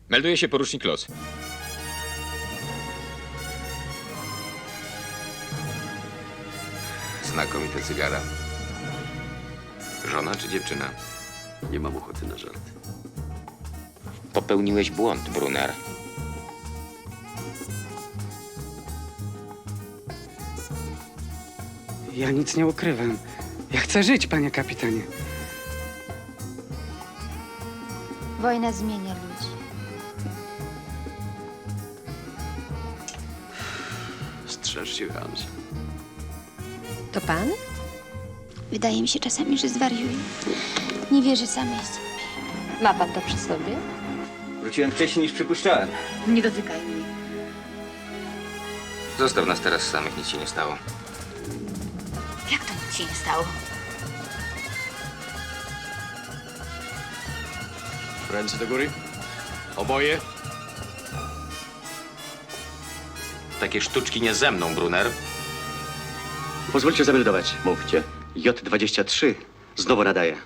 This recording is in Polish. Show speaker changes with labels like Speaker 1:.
Speaker 1: Melduje się porucznik Los.
Speaker 2: Znakomite cygara. Żona czy dziewczyna?
Speaker 3: Nie mam ochoty na żart.
Speaker 1: Popełniłeś błąd, Brunner.
Speaker 4: Ja nic nie ukrywam. Ja chcę żyć, panie kapitanie.
Speaker 5: Wojna zmienia ludzi.
Speaker 3: Strzeż się, Hans.
Speaker 6: To pan?
Speaker 5: Wydaje mi się czasami, że zwariuję. Nie wierzę samej sobie.
Speaker 6: Ma pan to przy sobie?
Speaker 7: Wróciłem wcześniej niż przypuszczałem.
Speaker 6: Nie dotykaj mnie.
Speaker 1: Zostaw nas teraz samych, nic się nie stało.
Speaker 5: Jak to nic się nie stało?
Speaker 3: Ręce do góry. Oboje.
Speaker 2: Takie sztuczki nie ze mną, Brunner.
Speaker 3: Pozwólcie zameldować. Mówcie. J23 znowu nadaje.